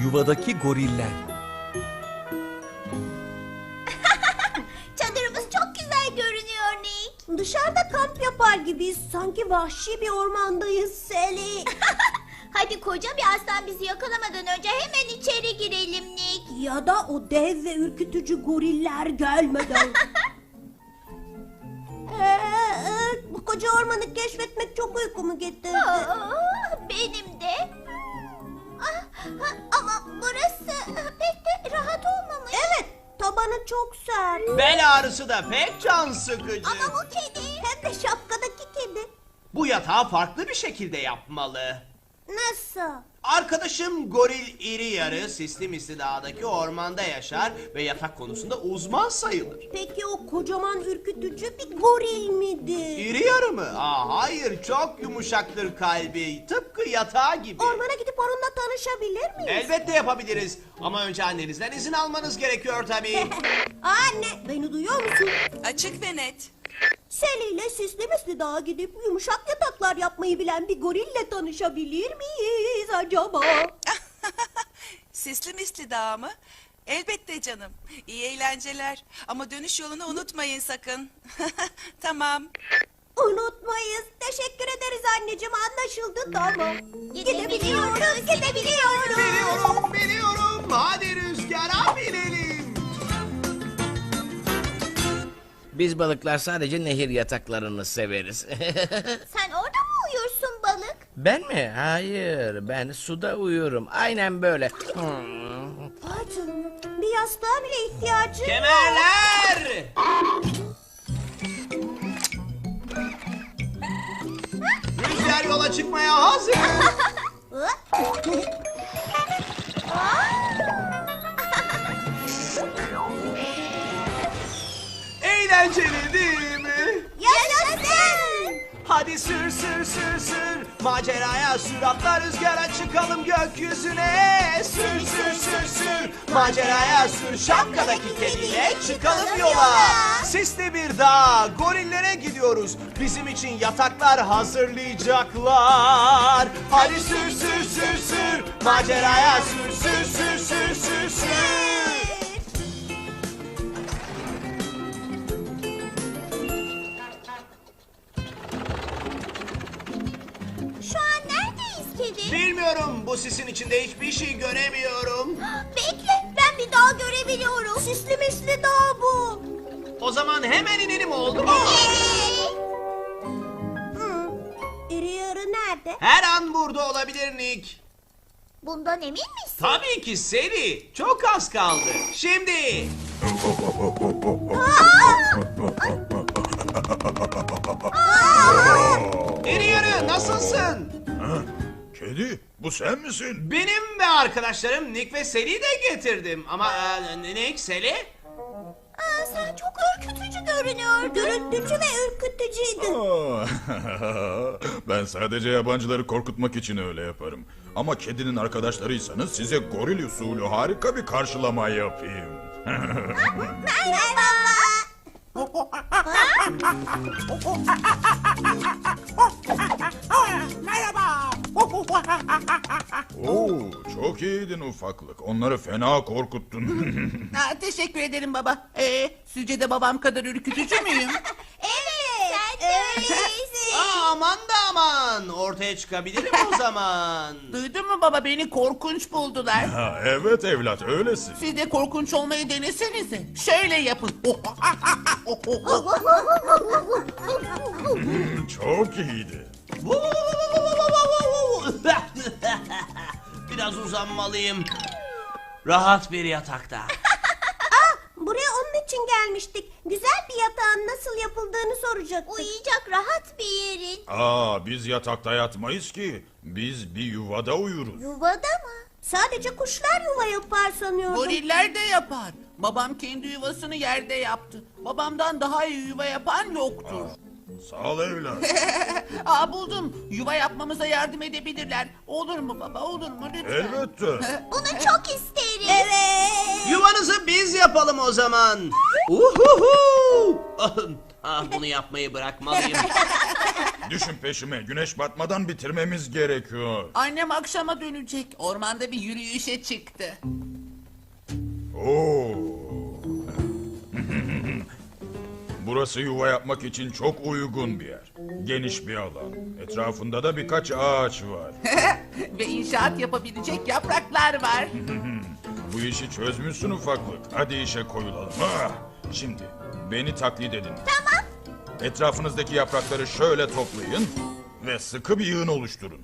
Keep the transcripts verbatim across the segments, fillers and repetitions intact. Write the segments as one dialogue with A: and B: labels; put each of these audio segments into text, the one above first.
A: Yuvadaki goriller.
B: Çadırımız çok güzel görünüyor Nick.
C: Dışarıda kamp yapar gibiyiz. Sanki vahşi bir ormandayız Sally.
B: Hadi koca bir aslan bizi yakalamadan önce hemen içeri girelim Nick.
C: Ya da o dev ve ürkütücü goriller gelmeden. ee, e, bu koca ormanı keşfetmek çok uykumu getirdi.
B: Aa, benim de. Ah, ha, ama burası pek de rahat olmamış.
C: Evet, tabanı çok sert.
D: Bel ağrısı da pek can sıkıcı.
B: Ama bu kedi.
C: Hem de şapkadaki kedi.
D: Bu yatağı farklı bir şekilde yapmalı.
C: Nasıl?
D: Arkadaşım goril iri yarı sisli misli dağdaki ormanda yaşar ve yatak konusunda uzman sayılır.
C: Peki o kocaman ürkütücü bir goril midir?
D: İri yarı mı? Aa, hayır, çok yumuşaktır kalbi. Tıpkı yatağı gibi.
C: Ormana gidip onunla tanışabilir miyiz?
D: Elbette yapabiliriz. Ama önce annenizden izin almanız gerekiyor tabii.
C: Anne, beni duyuyor musun?
E: Açık ve net.
C: Sally ile Sisli Misli Dağa gidip yumuşak yataklar yapmayı bilen bir gorille tanışabilir miyiz acaba?
E: Sisli misli dağ mı? Elbette canım. İyi eğlenceler. Ama dönüş yolunu unutmayın sakın. Tamam.
C: Unutmayız. Teşekkür ederiz anneciğim, anlaşıldı tamam.
B: Gidebiliyoruz, gidebiliyoruz.
D: Biliyorum, biliyorum. Hadi rüzgara binelim.
F: Biz balıklar sadece nehir yataklarını severiz.
B: Sen orada mı uyursun balık?
F: Ben mi? Hayır. Ben suda uyurum. Aynen böyle. Hmm.
C: Vay canına, bir yastığa bile ihtiyacın yok.
D: Kemerler! Rüzgar yola çıkmaya hazır. Eğlenceli değil mi?
C: Yaşasın!
D: Hadi sür sür sür sür, maceraya sür, atla rüzgara çıkalım gökyüzüne. Sür sür sür sür, maceraya sür, şapkadaki kediyle çıkalım yola. Sisli bir dağ, gorillere gidiyoruz. Bizim için yataklar hazırlayacaklar. Hadi sür sür sür sür, maceraya sür sür sür sür sür sür.
B: Şu an neredeyiz kedi?
D: Bilmiyorum, bu sisin içinde hiçbir şey göremiyorum.
B: Bekle, ben bir dağ görebiliyorum.
C: Sisli Misli Dağ bu.
D: O zaman hemen inelim, oldu mu?
C: Hı. İri yarı nerede?
D: Her an burada olabilir Nick.
B: Bundan emin misin?
D: Tabii ki Sally. Çok az kaldı. Şimdi. İri yarı, nasılsın?
G: Kedi, bu sen misin?
D: Benim ve arkadaşlarım Nick ve Sally'i de getirdim. Ama e, Nick, Sally?
B: Aa, sen çok ürkütücü görünüyordun.
C: Dürüttücü ve ürkütücüydü.
G: Aa, ben sadece yabancıları korkutmak için öyle yaparım. Ama kedinin arkadaşlarıysanız size goril usulü harika bir karşılama yapayım.
B: Merhaba.
G: Oo, çok iyiydin ufaklık. Onları fena korkuttun.
H: Ha, teşekkür ederim baba. Ee, sizce de babam kadar ürkütücü müyüm?
B: Evet, sen de öylesin.
D: Aa, aman da aman. Ortaya çıkabilirim o zaman.
H: Duydun mu baba, beni korkunç buldular.
G: Ha, evet evlat, öylesin.
H: Siz de korkunç olmayı denesenize. Şöyle yapın.
G: Çok iyiydi.
D: Biraz uzanmalıyım. Rahat bir yatakta.
C: Buraya onun için gelmiştik. Güzel bir yatağın nasıl yapıldığını soracaktık.
B: Uyuyacak rahat bir yerin.
G: Aa, biz yatakta yatmayız ki. Biz bir yuvada uyuruz.
B: Yuvada mı?
C: Sadece kuşlar yuva yapar sanıyordum.
H: Goriller de yapar. Babam kendi yuvasını yerde yaptı. Babamdan daha iyi yuva yapan yoktur.
G: Sağ ol evlat.
H: Aa, buldum. Yuva yapmamıza yardım edebilirler. Olur mu baba, olur mu lütfen?
G: Elbette.
B: Bunu çok isterim.
C: Evet.
D: Yuvanızı biz yapalım o zaman. Uhuhu! Ah, bunu yapmayı bırakmalıyım.
G: Düşün peşime. Güneş batmadan bitirmemiz gerekiyor.
H: Annem akşama dönecek. Ormanda bir yürüyüşe çıktı.
G: Oo. Burası yuva yapmak için çok uygun bir yer. Geniş bir alan. Etrafında da birkaç ağaç var.
H: Ve inşaat yapabilecek yapraklar var.
G: Bu işi çözmüşsün ufaklık. Hadi işe koyulalım. Ah! Şimdi beni taklit edin.
B: Tamam.
G: Etrafınızdaki yaprakları şöyle toplayın ve sıkı bir yığın oluşturun.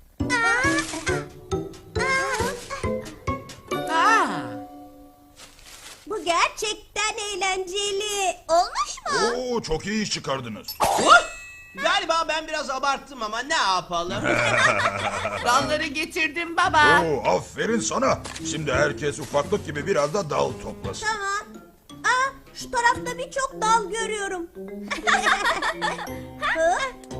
H: Aa,
C: Bu gerçekten eğlenceli.
B: Olmuş mu?
G: Oo, çok iyi iş çıkardınız.
D: Galiba ben biraz abarttım ama ne yapalım?
H: dalları getirdim baba.
G: Oo, aferin sana. Şimdi herkes ufaklık gibi biraz da dal toplasın.
C: Tamam. Aa, şu tarafta birçok dal görüyorum. Hı?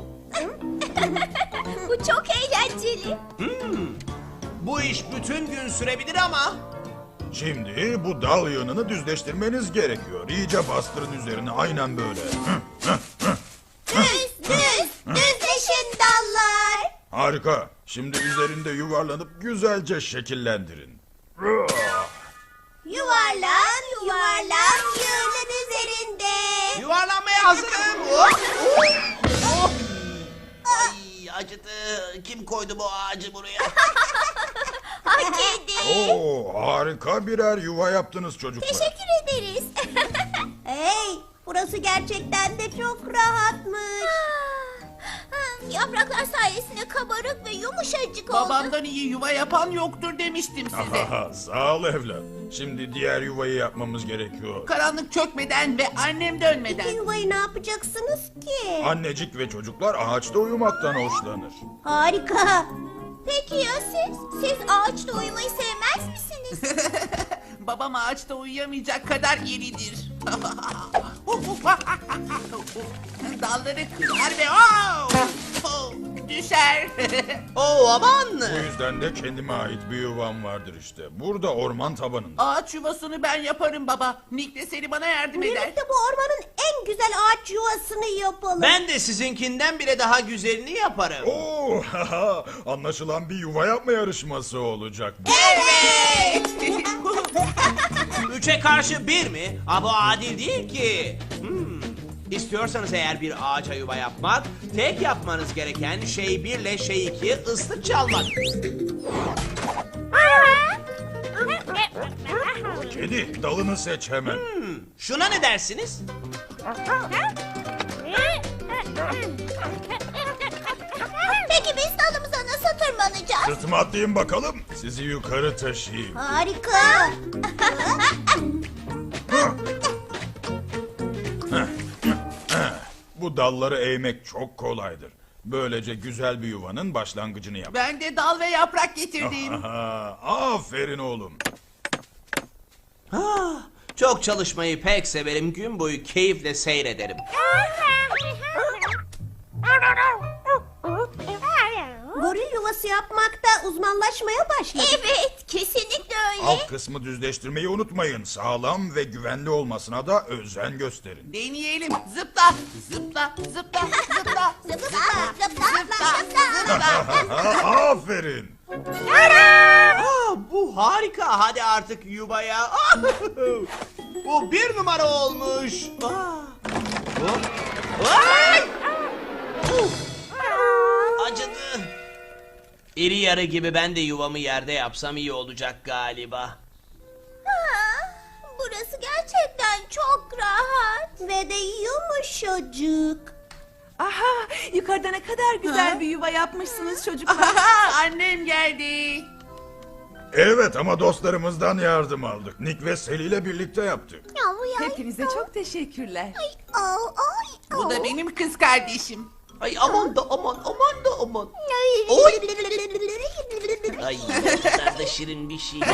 B: Bu çok eğlenceli.
D: Bu iş bütün gün sürebilir ama...
G: Şimdi bu dal yığınını düzleştirmeniz gerekiyor. İyice bastırın üzerine, aynen böyle. Hı.
B: Düz, düz, düzleşin dallar.
G: Harika. Şimdi üzerinde yuvarlanıp güzelce şekillendirin.
C: Yuvarlan, yuvarlan, yığının üzerinde.
D: Yuvarlanmaya hazırım. Hop, hop, hop. Ay, acıdı. Kim koydu bu ağacı buraya?
B: Hak edin.
G: Oo, harika birer yuva yaptınız çocuklar.
B: Teşekkür ederiz.
C: Hey, burası gerçekten de çok rahatmış.
B: Ah, Yapraklar sayesinde kabarık ve yumuşacık oldu.
H: Babamdan iyi yuva yapan yoktur demiştim size.
G: Ahaha, sağ ol evlat. Şimdi diğer yuvayı yapmamız gerekiyor.
H: Karanlık çökmeden ve annem
C: İki
H: dönmeden.
C: yuvayı ne yapacaksınız ki?
G: Annecik ve çocuklar ağaçta uyumaktan hoşlanır.
C: Harika.
B: Peki ya siz? Siz ağaçta uyumayı sevmez misiniz?
H: Babam ağaçta uyuyamayacak kadar iridir. Dalları kırar ve oh! düşer.
D: Oo, aman.
G: Bu yüzden de kendime ait bir yuvam vardır işte. Burada orman tabanında.
H: Ağaç yuvasını ben yaparım baba. Nick de seni bana yardım eder.
C: Birlikte bu ormanın en güzel ağaç yuvasını yapalım.
D: Ben de sizinkinden bile daha güzelini yaparım.
G: Oo, haha, anlaşılan bir yuva yapma yarışması olacak bu.
H: Evet.
D: Üçe karşı bir mi? Ha, bu adil değil ki. Hmm. İstiyorsanız eğer bir ağaca yuva yapmak, tek yapmanız gereken şey birle şey iki ıslık çalmak.
G: Kedi, dalını seç hemen.
D: Şuna ne dersiniz?
B: Peki biz dalımıza nasıl tırmanacağız?
G: Sırtıma atlayın bakalım. Sizi yukarı taşıyayım.
C: Harika.
G: Bu dalları eğmek çok kolaydır. Böylece güzel bir yuvanın başlangıcını yap.
H: Ben de dal ve yaprak getirdim.
G: Aha, aferin oğlum.
D: Ah, çok çalışmayı pek severim. Gün boyu keyifle seyrederim.
C: Goril yuvası yapmakta uzmanlaşmaya başladık.
B: Evet, kesinlikle öyle.
G: Alt kısmı düzleştirmeyi unutmayın. Sağlam ve güvenli olmasına da özen gösterin.
H: Deneyelim. Zıpla, zıpla, zıpla, zıpla,
B: Zıpla, zıpla, zıpla.
G: Aha, aferin.
D: Ah, bu harika. Hadi artık yuvaya. Ah, bu bir numara olmuş. Ah. Hop. Ay! Uf. Acıdı. İri yarı gibi ben de yuvamı yerde yapsam iyi olacak galiba.
B: Ah, Burası gerçekten çok rahat.
C: Ve de yumuşacık.
E: Aha, yukarıda ne kadar güzel
H: Ha?
E: bir yuva yapmışsınız çocuklar.
H: Aha, annem geldi.
G: Evet ama dostlarımızdan yardım aldık. Nick ve Sally ile birlikte yaptık.
E: Hepinize çok teşekkürler.
B: Ay, ay,
H: Bu da benim kız kardeşim.
D: Ay aman da aman aman da aman.
B: ay.
D: Oy. Ay ne kadar da şirin bir şey.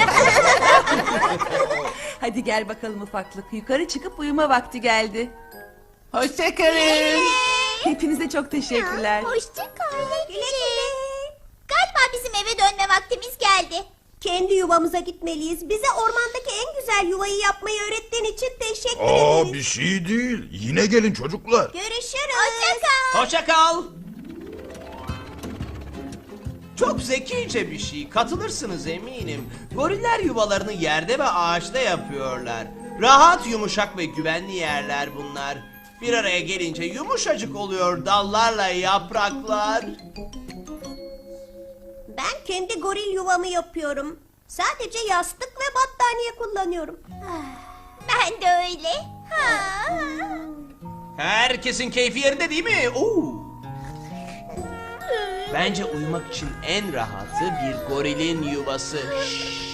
E: Hadi gel bakalım ufaklık. Yukarı çıkıp uyuma vakti geldi.
H: Hoşçakalın.
E: Hepinize çok teşekkürler.
B: Hoşça kal. Güle güle. Galiba bizim eve dönme vaktimiz geldi.
C: Kendi yuvamıza gitmeliyiz. Bize ormandaki en güzel yuvayı yapmayı öğrettiğin için teşekkür
G: Aa
C: ederiz.
G: bir şey değil. Yine gelin çocuklar.
C: Görüşürüz.
B: Hoşça kal.
D: Hoşça kal. Çok zekice bir şey. Katılırsınız eminim. Goriller yuvalarını yerde ve ağaçta yapıyorlar. Rahat, yumuşak ve güvenli yerler bunlar. Bir araya gelince yumuşacık oluyor dallarla yapraklar.
C: Ben kendi goril yuvamı yapıyorum. Sadece yastık ve battaniye kullanıyorum.
B: Ben de öyle. Ha.
D: Herkesin keyfi yerinde değil mi? Oo. Bence uyumak için en rahatı bir gorilin yuvası. Şşş.